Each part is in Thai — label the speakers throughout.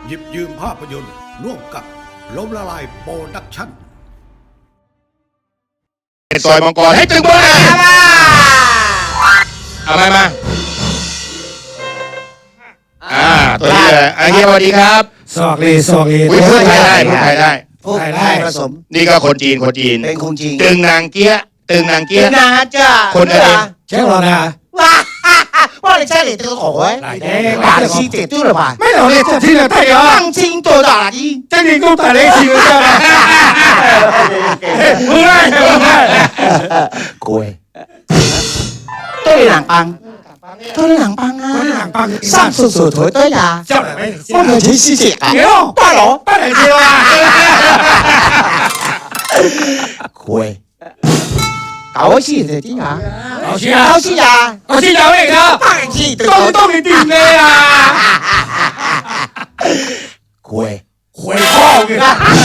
Speaker 1: หยิบยืมภาพยนตร์ร่วมกับล้มละลายโปรดักชั่น
Speaker 2: ซอยมังกรให้ตึงบ้าเอามาตัวนี้เลยเฮียสวัสดีครับ
Speaker 3: สวัสดี
Speaker 2: พูดไทยได้พูดไทยได้
Speaker 4: พูดไทยผสม
Speaker 2: นี่ก็คนจีน
Speaker 4: เป็นคนจีน
Speaker 2: ตึงนางเกี้ย
Speaker 4: นาจ้า
Speaker 2: คนอะไร
Speaker 3: ใช่หรอนะ
Speaker 4: ว่า你家里这个口味把戏解对了吧
Speaker 3: 没有你这听得太阳
Speaker 4: 放心多大的
Speaker 3: 这你给我打雷行了吗不爱
Speaker 4: 鬼对两帮啊上厕所腿对呀放个钱洗洗啊大佬
Speaker 3: 大雷行啊
Speaker 4: 鬼搞戲就啲啊，
Speaker 3: 搞戲
Speaker 4: 啊，
Speaker 3: 搞戲有嚟噶，當你掂你啊，
Speaker 4: 鬼
Speaker 3: 炮嘅，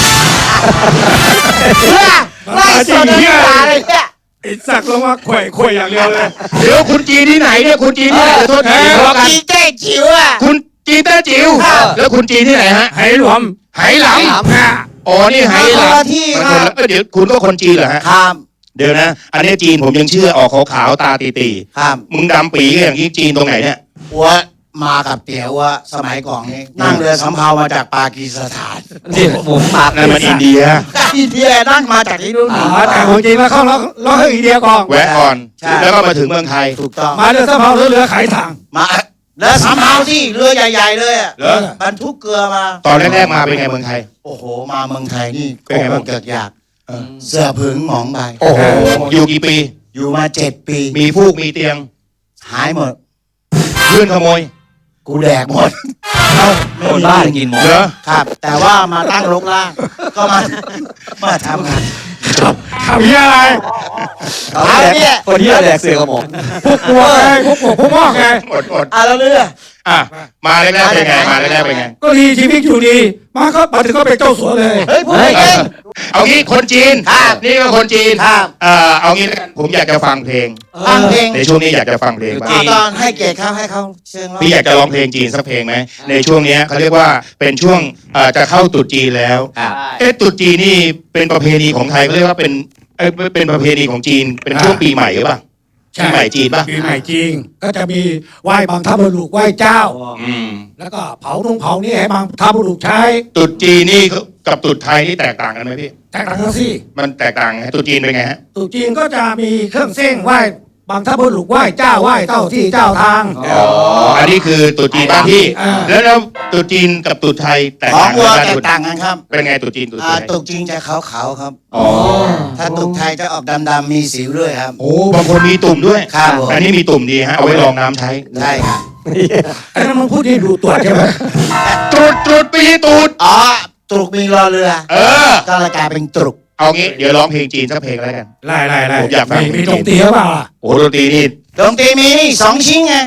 Speaker 4: 拉手都打嚟嘅，
Speaker 3: ไอ้สักลงมาข่วยอย่างเดียวเลย
Speaker 2: เดี๋ยวคุณจีนที่ไหนเนี่ยคุณจีนที่ไหนโทษที
Speaker 4: จีนแต้จิ๋วอ่ะ
Speaker 2: คุณจีนแต้จิ๋วแล้วคุณจีนที่ไหนฮะ
Speaker 3: ไหหลวม
Speaker 2: อ๋อนี่ไหหลำ
Speaker 4: ที่
Speaker 2: เดี๋ยวคุณก็คนจีนเหรอฮะ
Speaker 4: ครับ
Speaker 2: เดี๋ยวนะอันนี้จีนผมยังเชื่อออกขาวๆตาตี
Speaker 4: ครับ
Speaker 2: มึงดำปีอย่างนี้จีนตรงไหนเนี่ย
Speaker 4: ว่ามากับเตี๋ยวว่าสมัยก่อนนี่นั่งเรือสำเภามาจากปากีสถาน
Speaker 3: นี่ผมมา
Speaker 2: นั่นมันอินเดีย
Speaker 4: นั่งมาจากที่นู่น
Speaker 3: แต่ผมจีนมาเข้าแล้วอินเดียก่อน
Speaker 2: แวะก่อนแล้วก็มาถึงเมืองไทย
Speaker 4: ถูกต้อง
Speaker 3: มาเรือสำเภาเรือขายถัง
Speaker 4: มาเรือสำเภาที่เรือใหญ่ๆเลยอ่ะบรรทุกเกลือมา
Speaker 2: ตอนแรกๆมาเป็นไงเมืองไทย
Speaker 4: โอ้โหมาเมืองไทยนี่เป็นไงบ้างเกิดอยากเสื้อผึ่งหมองใบ
Speaker 2: โอ้โหอยู่กี่ปี
Speaker 4: อยู่มา7 ปี
Speaker 2: มีฟูกมีเตียง
Speaker 4: หายหมด
Speaker 2: เพื่อนขโมย
Speaker 4: กูแดกหมด
Speaker 3: คนบ้ากินหมด
Speaker 2: เหรอ
Speaker 4: ครับแต่ว่ามาตั้งรกล่างก็มาทำงาน
Speaker 3: ทำยังไง
Speaker 4: เนี่ย
Speaker 3: คนที่แดกเสือกระหม่อมพวกกลัวไงพวกมอกไง
Speaker 2: อด
Speaker 4: แล้วเรือ
Speaker 2: มาแรกๆเป็นไง
Speaker 3: ก็ดีชีวิตอยู่ดีมาถึงก็เป็นเจ้าสัวเลย
Speaker 4: เฮ้ยพูดเอง
Speaker 2: เอางี้คนจีนนี่ก็คนจีนเอางี้ผมอยากจะฟังเพลงในช่วงนี้อยากจะฟังเพลงบ้าง
Speaker 4: ตอนให้เกียรติเขาให้เขาเชิญ
Speaker 2: พี่อยากจะร้องเพลงจีนสักเพลงไหมในช่วงนี้เขาเรียกว่าเป็นช่วงจะเข้าตรุษจีนแล้วตรุษจีนนี่เป็นประเพณีของไทยเขาเรียกว่าเป็นประเพณีของจีนเป็นช่วงปีใหม่หรือเปล่าปีใหม่จีนป่ะ
Speaker 3: ปีใหม่จีนก็จะมีไหว้บางทัพบุรุษไหว้เจ้าแล้วก็เผานี่ให้บางทัพบุรุษใช้
Speaker 2: ตรุษจีนนี่กับตรุษไทยนี่แตกต่างกันไหมพี่
Speaker 3: แตกต่างกันสิ
Speaker 2: มันแตกต่างตรุษจีนเป็นไงฮะ
Speaker 3: ตรุษจีนก็จะมีเครื่องเส้นไหว้บางทัพบุรุษไหว้เจ้าไหว้เจ้าที่เจ้าทาง
Speaker 2: อันนี้คือตรุษจีนบ้านที่แล้วตรุษจีนกับตรุษไทยแตกต่าง
Speaker 4: กันครับ
Speaker 2: เป็นไงตรุษจีนตรุษไทย
Speaker 4: ตรุษจีนจะขาวๆครับถ้าตรุษไทยจะออกดำๆมีสิวด้วยครับ
Speaker 2: โอ้บางคนมีตุ่มด้วย
Speaker 4: ครับ
Speaker 2: อันนี้มีตุ่มดีฮะเอาไว้รองน้ำใช้
Speaker 4: ใช่ครับ
Speaker 3: ไอ้นั่นมึงพูดที่ดูตัวใช่ไหม
Speaker 2: ตรุษปีตรุษ
Speaker 4: ตรุษมีรอเรือก็เลยกลายเป็นตรุษ
Speaker 2: เอางี้เดี๋ยวร้องเพลงจีนสักเพลงแล้วกัน
Speaker 3: ไล่
Speaker 2: ผมอยากฟัง
Speaker 3: มีดนตรีหรือเปล่า
Speaker 2: โอ้ดนตรีนี่
Speaker 4: มีนี่2 ชิ้นไง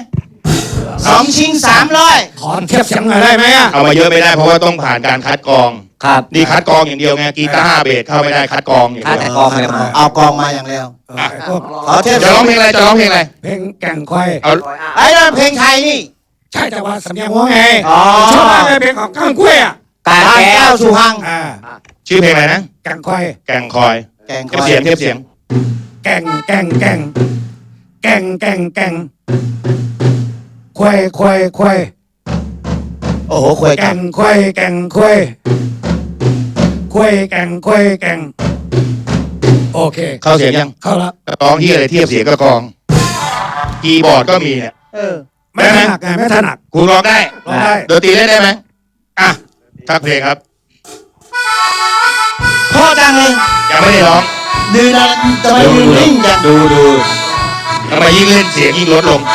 Speaker 4: 2 ชิ้น300
Speaker 3: ขอเทียบเสียงหน่อยได้ไหม
Speaker 2: เอามาเยอะไม่ได้เพราะว่าต้องผ่านการคัดกรอง
Speaker 3: ครับ
Speaker 2: นี่คัดกรองอย่างเดียวไงกีตาร์เบสเข้าไม่ได้คัดกรองอย่างเดียว
Speaker 4: เอากรองมาอย่างเดียว
Speaker 2: ขอเทียบจะร้องเพลงอะไร
Speaker 3: เพลงแก่งควาย
Speaker 4: ไอ้นั่นเพลงไทยนี่
Speaker 3: ใช่แต่ว่าสำเนียงว่าไงชอบมากเลยเพลงของก้างกล้วย
Speaker 4: ตาแก้วสุพรรณ
Speaker 2: ชื่อเพลงอะไรนะ
Speaker 3: แก่งควาย
Speaker 2: เทียบเสียง
Speaker 3: แก่งควาย
Speaker 4: โอ้โหควาย
Speaker 3: แก่งควายแก่งโอเค
Speaker 2: เข้าเสียงยัง
Speaker 3: เข้าแล้ว
Speaker 2: ร้องที่อะไรเทียบเสียงก็กองคีย์บอร์ดก็มีเนี่ย
Speaker 3: ไม่ถนัดไงไม่ถนัด
Speaker 2: คุณร้องได้ดนตรีเล่นได้ไหมทักเพลงครับ
Speaker 4: พ่อจังเลย
Speaker 2: ยังไม่ได้ร้อง
Speaker 4: ดูนะทำไมยืนนิ่งจัง
Speaker 2: ดูทำไมยิ่งเล่นเสียงยิ่งลดลง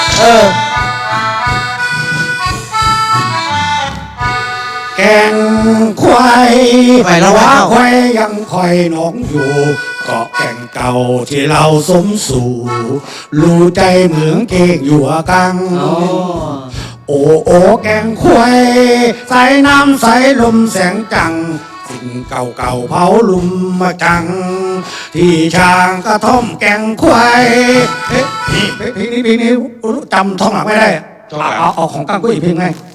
Speaker 3: แก่งควายว่าควายยังคอยน้องอยู่เกาะแก่งเก่าที่เราสมสู่รู้ใจเหมืองเก่งอยู่กังโอ้แก่งควายใส่น้ำใส่ลมแสงจังสิ่งเก่าเผาลุมมาจังที่ช้างกระท่อมแก่งควายเพลงนี้จำท่องหลังไม่ได้เอาของก้างกุ้ยเพลงไง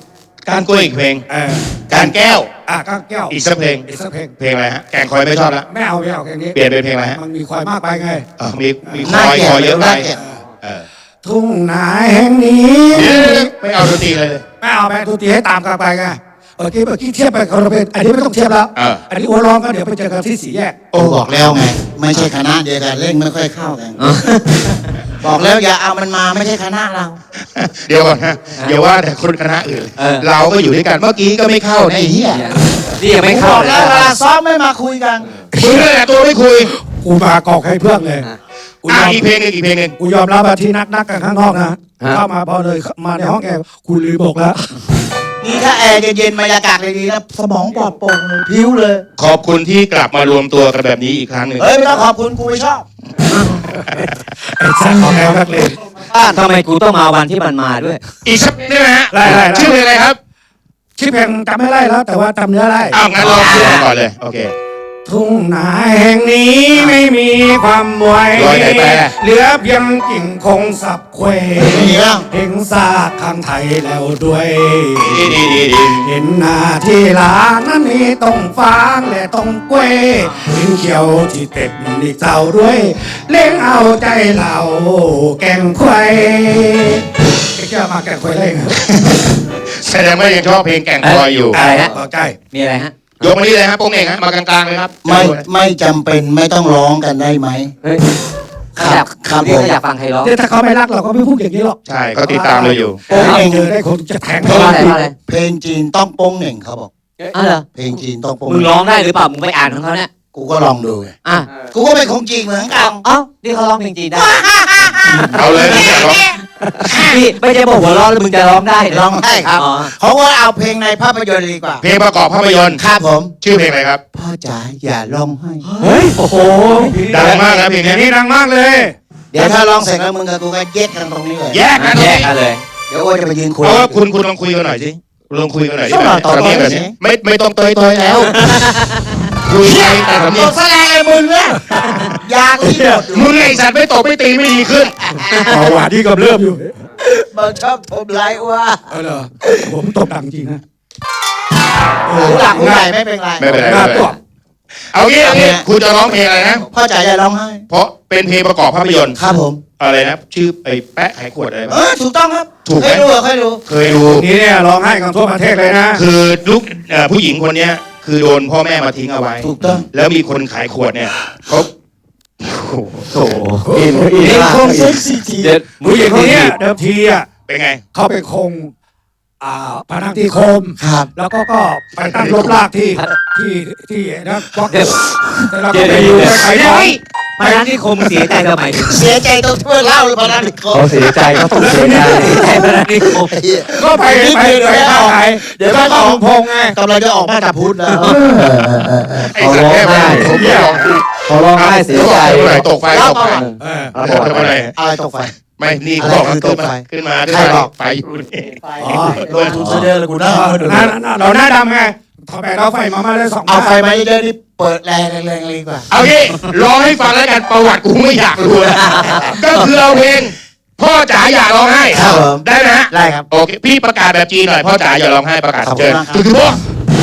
Speaker 2: การกล้วยอีกเพลง
Speaker 3: กา
Speaker 2: การ รแก้ว
Speaker 3: ก้าวแก้ว
Speaker 2: อีกสักเพลง
Speaker 3: อีกสักเพลง
Speaker 2: เพลงอะไรฮะแกงคอยไม่ชอบละ
Speaker 3: ไม่เอาเพลงนี้
Speaker 2: เปลี่ยนเป็นเพลงอะไรฮะ
Speaker 3: มันมีควายมากไปไง
Speaker 2: มีคอยเยอะไป
Speaker 3: ทุ่งนาแห่งนี้
Speaker 2: ไม่เอาดนตรีเลย
Speaker 3: ไม่เอาไปทุกทีให้ตามกันไปไงเมื่อกี้เทียบไปคนละเพลงอันนี้ไม่ต้องเทียบแล้ว อันนี้โอร้องก็เดี๋ยวไปเจอกันที่สี่แยก
Speaker 4: โอ้บอกแล้วไง ไม่ใช่คณะเดียวกันเล่นไม่ค่อยเข้ากัน บอกแล้วอย่าเอามันมาไม่ใช่คณะเรา
Speaker 2: เดี๋ยวก่อนนะอย่าว่าแต่คนคณะอื่นเราก็อยู่ด้วยกันเมื่อกี้ก็ไม่เข้าในเฮีย
Speaker 5: นี่ยังไม่
Speaker 4: บ
Speaker 5: เข้า
Speaker 4: อก
Speaker 5: เล
Speaker 4: แล้ว
Speaker 5: ย
Speaker 4: เวลาซ้อมไม่มาคุยกัน
Speaker 2: มึงนั่นแหละตัวไม่คุย
Speaker 3: กูมากอกให้เพื่อนเลยกูยอม
Speaker 2: อีกเพลงหนึงอีกเพลงหนึง
Speaker 3: กูยอมรับว่าที่นักกันข้างนอกนะเข้ามาพอเลยมาในห้องแอร์กูลืมบอกแล้ว
Speaker 4: นี่ถ้าแอร์เย็นๆบรรยากาศดีๆแล้วสมองปลอดโปร่งเลยพิ้วเลย
Speaker 2: ขอบคุณที่กลับมารวมตัวกันแบบนี้อีกครั้งหนึ่ง
Speaker 4: เฮ้ยไม่ต้องขอบคุณกูไม่ชอบ
Speaker 3: ไอ้ช่างของแอร์นักเลง
Speaker 5: ทำไมกูต้องมาวันที่มันมาด้วย
Speaker 2: อีกสักได้ไหมฮะ
Speaker 3: ได้
Speaker 2: ชื่อเพลงอะไรครับ
Speaker 3: ชื่อเพลงจำไม่ได้แล้ว แต่ว่าจำเนื้อได้
Speaker 2: อ้าวงั้นเราชื่อก่อนเลยโอเค
Speaker 3: ทุ่งนาแห่งนี้ไม่มีความไว
Speaker 2: ร้อยไหนแปล
Speaker 3: เหลือเพียงกิ่งคงสับเคว
Speaker 4: มีแล้ว
Speaker 3: เห็นซากข้างไทยแล้วด้วย
Speaker 2: ดี
Speaker 3: เห็นหน้าที่หลางนั้นมีต้องฟางและต้องเกวยเห็นเขียวที่เต็ดนี่เจ้าด้วยเลี้ยงเอาใจเราแกงควายไอ้เจ้ามาแกงควายได้ไง
Speaker 2: แสดงว่ายังชอบเพลงแก่งคอยอยู่
Speaker 5: อะไรฮะ
Speaker 3: ต่อใจ
Speaker 5: มีอะไรฮะ
Speaker 2: ยกมานี่เลยครับโป้งเองฮะมากลางๆเลยครับ
Speaker 4: ไม่จำเป็นไม่ต้องร้องกันได้ไหม
Speaker 5: เฮ้ย
Speaker 4: ครับ
Speaker 5: ครับ
Speaker 4: ผม
Speaker 5: อยากฟังใครร้อง
Speaker 3: เนี่ยถ้าเขาไม่รักเราก็ไม่พูดอย่างนี้หรอก
Speaker 2: ใช่เขาติดตามเราอยู่
Speaker 3: โอ้ยเจอได้คนจะแทง
Speaker 5: เพราะอะไรเพราะอะไร
Speaker 4: เพลงจีนต้องโป้งเหน่งเขาบอก
Speaker 5: อ้าวเหรอ
Speaker 4: เพลงจีนต้องโป้ง
Speaker 5: มึงร้องได้หรือเปล่า มึงไปอ่านของเขาเนี่ย
Speaker 4: กูก็ลองดูไง
Speaker 5: อ่ะ
Speaker 4: กูก็เป็นของจีนเหมือนกัน
Speaker 5: เอ้านี่เขาร้องเพลงจีนได้
Speaker 2: เอาเลยมึงอยากร้อง
Speaker 5: พี่ไม่ใช่บอกหัวร้อนแล้วมึงจะร้องได้
Speaker 4: ร้องได้ครับ
Speaker 5: อ๋อ
Speaker 4: เขาก็เอาเพลงในภาพยนตร์ดีกว่า
Speaker 2: เพลงประกอบภาพยนตร์
Speaker 4: ครับผม
Speaker 2: ชื่อเพลงอะไรครับ
Speaker 4: พ่อจ๋าอย่าร้องให้
Speaker 3: เฮ้ยโอ้โห
Speaker 2: ดังมากนะเพลง
Speaker 3: เพลง
Speaker 2: นี้
Speaker 3: นี้ดังมากเลย
Speaker 4: เดี๋ยวถ้าร้องเสร็จแล้วมึงกับกูก็แยกกันตรงนี้เลย
Speaker 2: แยกกันตรง
Speaker 5: แยก
Speaker 2: นี้
Speaker 5: กันเลย
Speaker 4: เดี๋ยวโอ้จะไปยืนคุย
Speaker 2: เอาว่าคุณลองคุยกันหน่อยสิลองคุยกันหน่อย
Speaker 4: ต้องรอต่อ
Speaker 2: สำเนียงแบบ
Speaker 4: สิ
Speaker 2: นี้ไม่ต้องเตยแล้วคุยไปแต่สำเนี
Speaker 4: ตั
Speaker 2: ยง
Speaker 4: วแสดงไอ้มึงเนี่ยยากูที่หมดอยู่
Speaker 2: มึงไอสัตว์ไม่ตบไม่ตีไม่ดีขึ้น
Speaker 3: เบาหวานที่กำเริบอยู่
Speaker 4: มึงชอบทำไรวะ
Speaker 3: เหรอผมตบดังจริงนะ
Speaker 4: หูหลักหูใหญ่ไม่เป็นไร
Speaker 2: ไม่เป็นไร
Speaker 3: หน้า
Speaker 2: ไม่เป็น
Speaker 3: ต
Speaker 2: ไร
Speaker 3: บ
Speaker 2: เอางี้คุณจะร้องเพลงอะไรนะ
Speaker 4: พ่อจ๋าอย่าร้องไห้
Speaker 2: เพราะเป็นเพลงประกอบภาพยนตร์
Speaker 4: ครับผม
Speaker 2: อะไรนะชื่อไอ้แปะไขขวดอะไร
Speaker 4: ถูกต้องครับ
Speaker 2: ถูกไหม
Speaker 4: เคยดูเหรอเคยดู
Speaker 2: เคยดู
Speaker 3: นี่เนี่ยร้องไห้กันทั่วประเทศเลยนะ
Speaker 2: คือลูกผู้หญิงคนเนี้ยคือโดนพ่อแม่มาทิ้งเอาไว้
Speaker 4: ถูกต้อง
Speaker 2: แล้วมีคนขายขวดเนี่ยเขาโอ้โห
Speaker 4: เป็นคงเซ็กซี่ที
Speaker 5: เด็ด
Speaker 3: ผู้หญิงคนเนี้ยเดิมทีอ่ะ
Speaker 2: เป็นไง
Speaker 3: เขาไปคงพนังที่คม
Speaker 4: ครับ
Speaker 3: แล้วก็ไปตั้งรบลากที่นะบล็อก
Speaker 5: เดี๋ยว
Speaker 3: แต่เราก็ไปอยู่ไปขายของ
Speaker 5: พนันที่คมเสียใจทำไม
Speaker 4: เสียใจตรงที่เล่าเลยพนันอีกคน
Speaker 5: เขาเสียใจเขาต้องเสียใจใจพนันที่คม
Speaker 3: ก็ไปเข้าขาย
Speaker 4: เดี๋ยว
Speaker 3: ก็
Speaker 4: ก็
Speaker 3: ต้
Speaker 4: ต้
Speaker 3: อ
Speaker 4: อง ง
Speaker 3: พงไง
Speaker 4: กำลังจะออกมาจากพุทธแล้ว
Speaker 2: ไอ้สัตว์แค่ไปผมไม่ลอง
Speaker 5: เขาร้องไห้เสียใจ
Speaker 2: เขาบอกตกไฟตกไฟ
Speaker 3: เออ
Speaker 2: เขาบอกทำไม
Speaker 4: อะไรตกไฟ
Speaker 2: ไม่นี่เขาบอก
Speaker 4: อะไรคือตกไฟ
Speaker 2: ขึ้นมา
Speaker 4: ใครบอก
Speaker 2: ไฟอยู่นี่
Speaker 4: อ๋อลงทุนซะเยอะเลยกูนะ
Speaker 3: เราหน้าดำไงถอดแบกเอาไฟมาได้2
Speaker 4: เอาไฟมาเยอะๆนี่เปิดแรงๆดีกว่า
Speaker 2: เอางี้ร้องให้ฟังแล้วกันประวัติกูไม่อยากรู้แล้วก็คือเอาเพลงพ่อจ๋าอย่าร้องไห้
Speaker 4: ครับผม
Speaker 2: ได้ไหมฮะ
Speaker 4: ได้ครับ
Speaker 2: โอเคพี่ประกาศแบบจีนหน่อยพ่อจ๋าอย่าร้องไห้ประกาศ
Speaker 4: ขอบคุณ
Speaker 2: เชิญ
Speaker 4: มากครับ
Speaker 2: คือพ่อ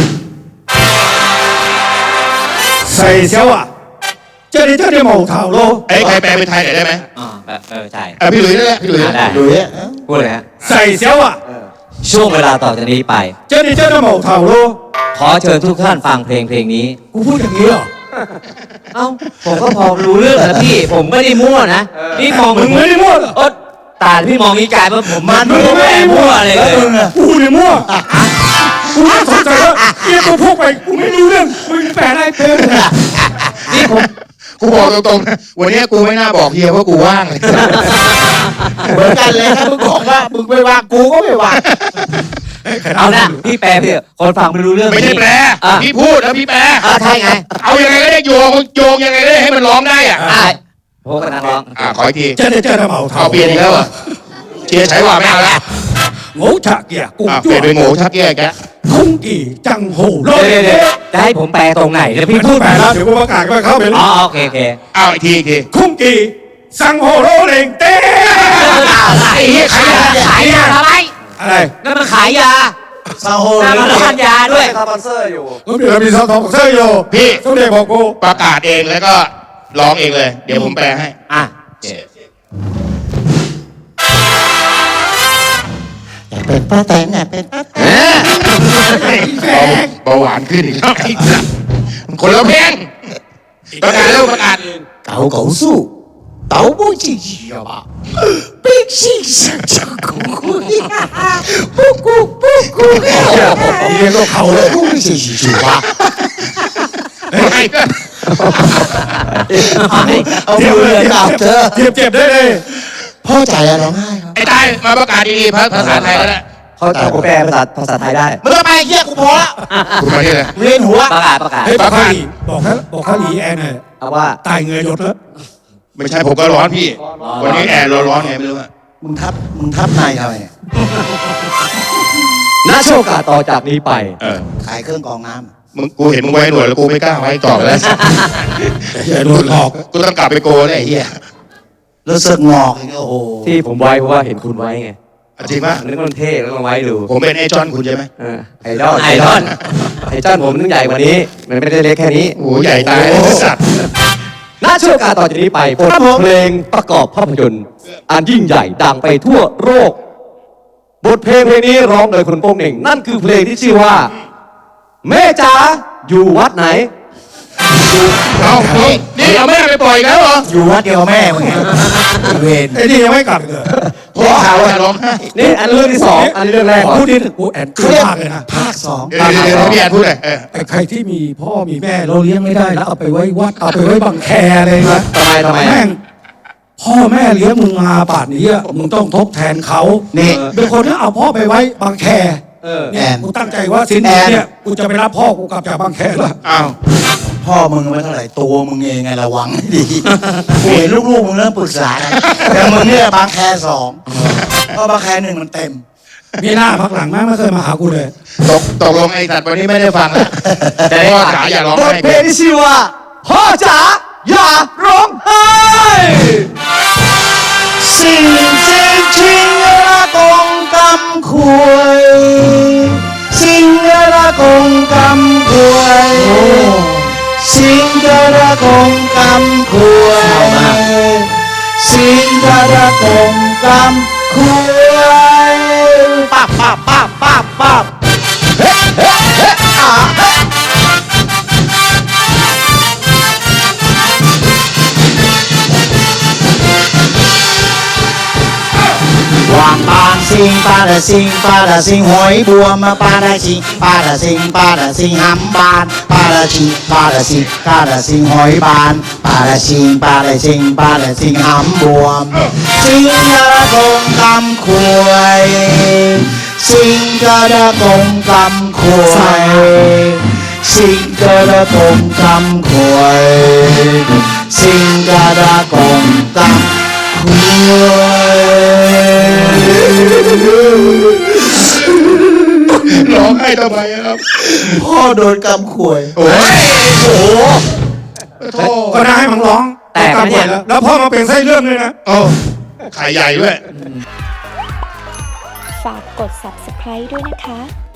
Speaker 3: ใส่เชียวอ่ะเจ้านี่หมูเท่าโล
Speaker 2: ไอ้ยใครแปลเป็นไทยหน่อยได้ไหม
Speaker 5: ใช่
Speaker 2: พี่หลุยส์นั่นแหละพี่หลุยส์
Speaker 5: ได้
Speaker 4: ดูเนี่ย
Speaker 5: พูดเลยฮะ
Speaker 3: ใส่เชียวอ่ะ
Speaker 5: ช่วงเวลาต่อจากนี้ไป
Speaker 3: เจ้านี่หมูเท่าโล
Speaker 5: ขอเชิญทุกท่านฟังเพลงนี้
Speaker 3: กูพูดอย่างนี้เหรอ
Speaker 5: เอ้า ผมก็พอรู้เรื่องแล้วพี่ ผมไม่ได้มั่วนะ พี่มอง
Speaker 3: มึงไม่ได้มั่วเหรอ
Speaker 5: โอ๊ตตาพี่มองนี้กลายว่าผมมันไม่ได้มั่วเลย
Speaker 4: แล้วมึงอะ
Speaker 3: กูเนี่ยมั่วกูไม่สนใจแล้วเกี่ยกูพูดไปกูไม่รู้เรื่องมึงแปลได้เป็น
Speaker 5: นี่ผม
Speaker 2: กูบอกตรงๆนะวันนี้กูไม่น่าบอกเฮียว่ากูว่างเลย
Speaker 4: เหมือนกันเลยถ้ามึงบอกว่ามึงไม่ว่างกูก็ไม่ว่าง
Speaker 5: เอานะพี่แปลพี่คนฟังไม่รู้เรื่อง
Speaker 2: ไม่ใช่แปล
Speaker 5: อ่ะ
Speaker 2: พี่พูดแล้วพี่แปล
Speaker 5: ใช่ไง
Speaker 2: เอายังไงก็ได้โยงยังไงก็ได้ให้มันร้องได้อ่ะ
Speaker 5: ใช่โหกำลังร้อง
Speaker 2: ขออีกที
Speaker 3: เจ้านี่หมูเท่า
Speaker 2: เอาเปลี่ยนอีกแล้วเหรอเชียร์ใช้ว่าไม่เอาละ
Speaker 3: หมูฉะเกียกู
Speaker 2: เปลี่ยนเป็นหมูชักแย่แก
Speaker 3: คุ้งกี่จังโหโล
Speaker 5: เดี๋ยวจะให้ผมแปลตรงไหนเดี๋ยวพี่พูด
Speaker 3: แปลแล้วเดี๋ยวกูประกาศก็เข้าไป
Speaker 5: อ๋อโอเค
Speaker 2: เอาอีกทีอีกที
Speaker 3: คุ้งกี่สังโหโลเลงเต้
Speaker 5: ไอ้เหี้ยขายยาทำไม
Speaker 3: อะไร
Speaker 5: นั่นมันขายยา
Speaker 4: ซาโฮ
Speaker 5: หน้า
Speaker 4: หรือ
Speaker 5: ร้านยาด้วย
Speaker 6: สปอนเซอร์อยู่
Speaker 3: ก็มีสปอนเซอร์อยู่
Speaker 2: พี่
Speaker 3: สมเด็จบอกกู
Speaker 2: ประกาศเองแล้วก็ร้องเองเลย เดี๋ยวผมแปลให้
Speaker 5: อ่ะ
Speaker 4: อยากเป็นป้าแตนอยากเป็นป้าแตน
Speaker 2: เบาหวานขึ้นอีกแล้วคนละเพลงประกาศแล้วประกาศ
Speaker 4: เก่าเก่าสู้เต่า不进去了吧冰心想着苦不顾不顾
Speaker 3: เรียนก็เขาเลย
Speaker 4: 不进去吧 เอามือเรียนกับเธอ
Speaker 3: เจ็บได้เลย
Speaker 4: พ่อใจอะร้องไห้ครับ
Speaker 2: ไอ้ตายมาประกาศดีๆภาษาไทยแล้วแหละ
Speaker 6: เขาจะแปลภาษาไทยได้
Speaker 4: มึงก็ไปเฮียกูพอละ
Speaker 2: คุณมาที่ไหน
Speaker 4: เวียนหัว
Speaker 5: ประกาศ
Speaker 3: เฮ้ยบอกเขาอีแอนเนี่ย
Speaker 6: เอาว่า
Speaker 3: ตายเงยหยดแล้ว
Speaker 2: ไม่ใช่ผมก็ร้อนพี่ วันนี้แอร์ร้อนไงไม่รู้อะ
Speaker 4: มึงทับในทำไมเนี่ย
Speaker 6: ณช่วงโอกาสต่อจากนี้ไป
Speaker 4: ขายเครื่องกรองน้ำ
Speaker 2: มึงกูเห็นมึงไว้หนวดแล้วกูไม่กล้าไว้ต่อแล้ว
Speaker 3: อย่าโดนหลอก
Speaker 2: กูต้องกลับไปโกเลยไอ้เหี้ย
Speaker 4: แล้วเสือกงอกอีกโอ้โห
Speaker 6: ที่ผมไว้เพราะว่าเห็นคุณไว้ไง
Speaker 2: จริงปะ
Speaker 6: นึกว่ามันเท่แล้วลองไว้ดู
Speaker 2: ผมเป็นไอ้จอนคุณใช่ไหม
Speaker 6: ไอดอล
Speaker 5: ไอดอล
Speaker 6: ไอดอลผมนึกใหญ่กว่านี้ มันไม่ได้เล็กแค่นี้
Speaker 2: โอ้โหใหญ่ตายไอ้สัตว์
Speaker 6: ณช่วงโอกาสต่อจากนี้ไปบทเพลงประกอบภาพยนตร์อันยิ่งใหญ่ดังไปทั่วโลกบทเพลงนี้ร้องโดยคุณโป้งเหน่ง นั่นคือเพลงที่ชื่อว่า แม่จ๋าอยู่วัดไหน
Speaker 2: เอานี่เอาแม่ไปปล่อยอีกแล้วเหรอ
Speaker 4: อยู่วัดเดียวแม่มึงไงเวร
Speaker 3: ไอ้นี่ยังไม่กลับเลย
Speaker 2: พ่อข่าวว่าร้องไห้
Speaker 6: นี่อันเรื่องที่สองอันนี้เรื่องแรกก่อน
Speaker 3: พูดนี่กูแอนกลัวมากเลยนะ
Speaker 4: ภาคสอง
Speaker 2: เดี๋ยวพี่แอนพูดเลย
Speaker 3: ไอ้ใครที่มีพ่อมีแม่เราเลี้ยงไม่ได้แล้วเอาไปไว้วัดเอาไปไว้บังแคอะไรนะ
Speaker 6: ทำไม
Speaker 3: แม่งพ่อแม่เลี้ยงมึงมาป่านนี้อะมึงต้องทดแทนเขา
Speaker 4: นี่
Speaker 3: เป็นคนที่เอาพ่อไปไว้บางแค
Speaker 4: แอน
Speaker 3: กูตั้งใจว่าสิ้นเดือนเนี่ยกูจะไปรับพ่อกูกลับจากบางแคแล้ว
Speaker 2: อ้าว
Speaker 4: พ่อมึงไม่เท่าไหร่ตัวมึงเองไงระวังให้ดีกูเห็นลูกๆมึงเริ่มปรึกษากันแต่มึงเนี่ยบางแคสองเพราะบางแคหนึ่งมันเต็ม
Speaker 3: มีหน้าพักหลังแม่งไม่เคยมาหากูเลย
Speaker 2: ตกลงไอ้สัตว์วันนี้ไม่ได้ฟังแล้วแต่พ่อจ๋าอย่าร้อง
Speaker 6: บท
Speaker 2: ไห้
Speaker 6: เพลงที่ชื่อว่าพ่อจ๋าอย่าร้องไห้
Speaker 4: สิ่งที่ทิ้งละกงกำควยสิ่งละกงกำควยสิ่งละกงกำควยสิ่งละกงกำควยปั๊บปั๊บปั๊บปั๊บปั๊บเฮ้เฮ้เฮ้อ่าเฮ้วางปางสิงปาดาสิงปาดาสิงหอยบัวมาปาดาสิงปาดาสิงปาดาสิงหำบานปาดาสิงปาดาสิงปาดาสิงหอยบานปาดาสิงปาดาสิงปาดาสิงหำบวมสิงกระกงกำควยสิงกระกงกำควยสิงกระกงกำควยสิงกระกงกำ
Speaker 2: ร้องไห้ทำไมครับ
Speaker 4: พ่อโดนกำขวย
Speaker 2: โอ้ยโอ้โห
Speaker 3: ก็น่าให้มึงร้อง
Speaker 5: แตกนะเนี่ย
Speaker 3: แล้วพ่อมาเป็นไส้เรื่องเลยนะ
Speaker 2: โอ้ไข่ใหญ่ด้วย
Speaker 7: ฝากกด subscribe ด้วยนะคะ